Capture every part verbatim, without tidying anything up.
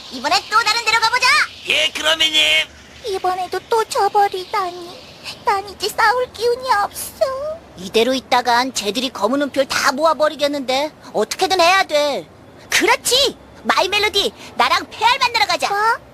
이번엔 또 다른 데로 가보자. 예, 그러면님. 이번에도 또 져버리다니. 난 이제 싸울 기운이 없어. 이대로 있다간 쟤들이 검은 은표를 다 모아버리겠는데 어떻게든 해야 돼. 그렇지. 마이 멜로디, 나랑 페알 만나러 가자.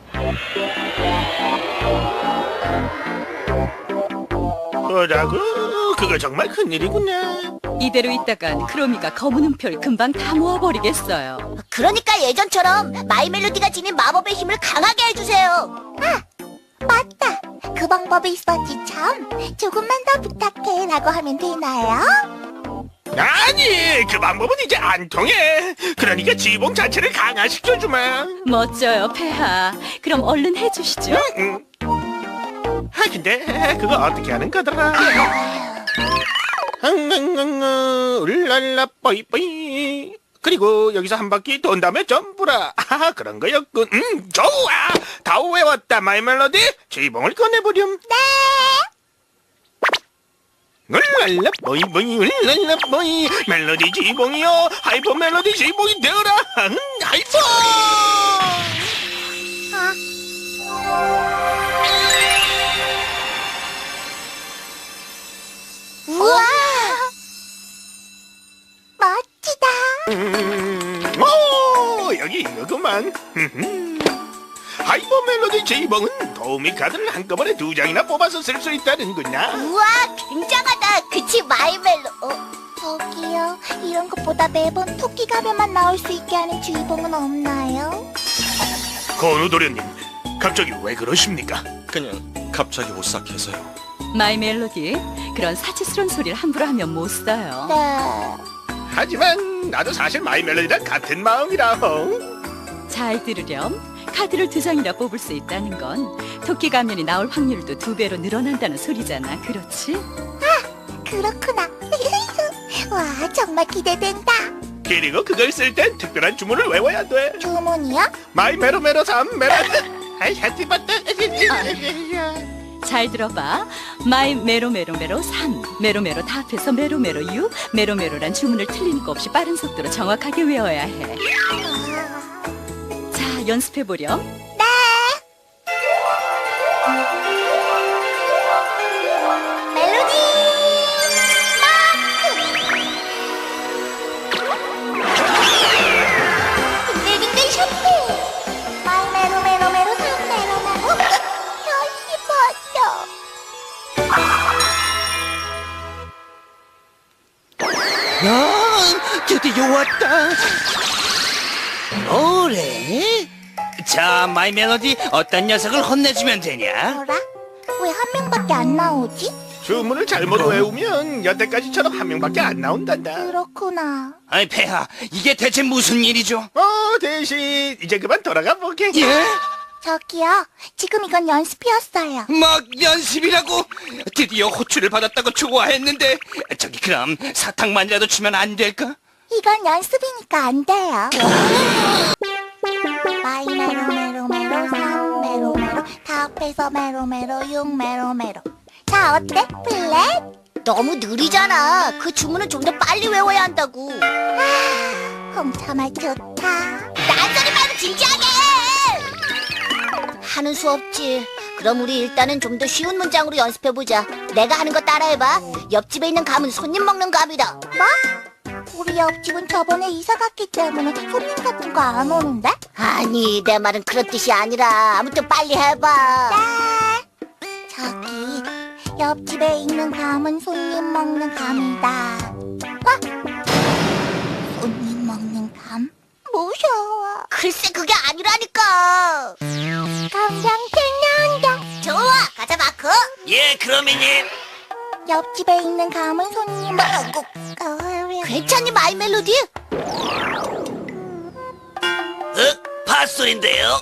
뭐라고? 그거 정말 큰일이구나. 이대로 있다간 크로미가 검은 은표를 금방 다 모아버리겠어요. 그러니까 예전처럼 마이 멜로디가 지닌 마법의 힘을 강하게 해주세요. 아, 맞다. 그 방법이 있었지 참. 조금만 더 부탁해 라고 하면 되나요? 아니, 그 방법은 이제 안 통해. 그러니까 지봉 자체를 강화시켜주마. 멋져요, 폐하. 그럼 얼른 해주시죠. 응. 아, 근데 그거 어떻게 하는 거더라? 흥흥흥흥 울랄라 뽀이뽀이. 그리고 여기서 한 바퀴 돈 다음에 전부라. 아, 그런 거였군. 음, 좋아. 다 외웠다, 마이 멜로디. 지봉을 꺼내보렴. 네. 울랄라 뽀이뽀이 울랄라 뽀이. 멜로디 지봉이요. 하이퍼 멜로디 지봉이 되어라. 응, 하이퍼. 우와. 멋지다. 음, 오, 여기 이거구만. 하이퍼 멜로디 제이봉은 도우미 카드를 한꺼번에 두 장이나 뽑아서 쓸 수 있다는구나. 우와, 굉장하다. 그치, 마이 멜로. 어, 저기요. 이런 것보다 매번 토끼 가면만 나올 수 있게 하는 주의봉은 없나요? 건우도련님, 갑자기 왜 그러십니까? 그냥 갑자기 오싹해서요. 마이 멜로디, 그런 사치스러운 소리를 함부로 하면 못 써요. 네. 하지만 나도 사실 마이 멜로디랑 같은 마음이라. 잘 들으렴. 카드를 두 장이나 뽑을 수 있다는 건 토끼 가면이 나올 확률도 두 배로 늘어난다는 소리잖아. 그렇지? 그렇구나. 와, 정말 기대된다. 그리고 그걸 쓸 땐 특별한 주문을 외워야 돼. 주문이요? 마이 메로메로 삼 메로. 아이, 하티바타. 잘 들어봐. 마이 메로메로메로 삼, 메로메로 다 합해서 메로메로 육, 메로메로란 주문을 틀린 거 없이 빠른 속도로 정확하게 외워야 해. 자, 연습해보렴. 네. 멜로디 마크. 빙글빙글 쇼핑. 마이 메로 메로 메로 삼 메로 메로. 다시 봤어. 아, 드디어 왔다. 뭐래? 자, 마이 멜로디, 어떤 녀석을 혼내주면 되냐? 뭐라? 왜 한 명밖에 안 나오지? 주문을 잘못 외우면 여태까지처럼 한 명밖에 안 나온단다. 그렇구나. 아이, 폐하, 이게 대체 무슨 일이죠? 어, 대신 이제 그만 돌아가 보게. 예? 저기요. 지금 이건 연습이었어요. 막 연습이라고? 드디어 호출을 받았다고 좋아했는데. 저기 그럼 사탕만이라도 주면 안 될까? 이건 연습이니까 안 돼요. 마이 메로 메로 메로 삼 메로 메로 다 합해서 메로 메로 육 메로 메로. 자, 어때? 플랫? 너무 느리잖아. 그 주문은 좀 더 빨리 외워야 한다고. 아, 홍차말 좋다. 딴소리 말고 진지하게 해. 하는 수 없지. 그럼 우리 일단은 좀 더 쉬운 문장으로 연습해보자. 내가 하는 거 따라해봐. 옆집에 있는 감은 손님 먹는 감이다. 뭐? 우리 옆집은 저번에 이사 갔기 때문에 손님 같은 거 안 오는데? 아니, 내 말은 그런 뜻이 아니라 아무튼 빨리 해봐. 네. 저기, 옆집에 있는 감은 손님 먹는 감이다. 어? 손님 먹는 감? 무서워. 글쎄, 그게 아니라니까. 감정책 나온다. 좋아, 가자, 마크. 예, 그러면님. 옆집에 있는 감은 손님 먹고. 괜찮니, 마이 멜로디? 어? 팥소리인데요?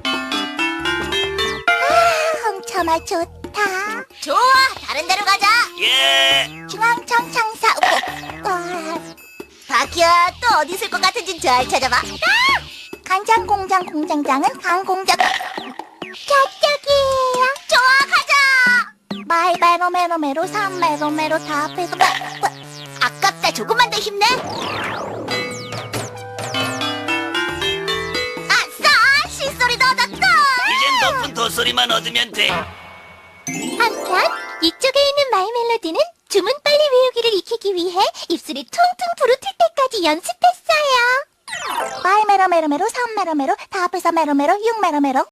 아, 홍차말 좋다. 좋아, 다른 데로 가자. 예. 중앙청 창사. 어, 바퀴야, 또 어디 있을 것 같은지 잘 찾아봐. 아! 간장공장 공장장은 강공장. 저쪽이에요. 좋아, 가자. 마이 메로 메로 메로 삼 메로 메로 다 합해서. 마, 마. 아깝다. 조금만 더 힘내. 아싸, 실수 멜로디를 얻었다. 이젠 높은 도소리만 얻으면 돼. 한편 이쪽에 있는 마이 멜로디는 주문 빨리 외우기를 익히기 위해 입술이 퉁퉁 부르틀 때까지 연습했어요. 마이 메로 메로 메로 삼 메로 메로 다 합해서 메로 메로 육 메로 메로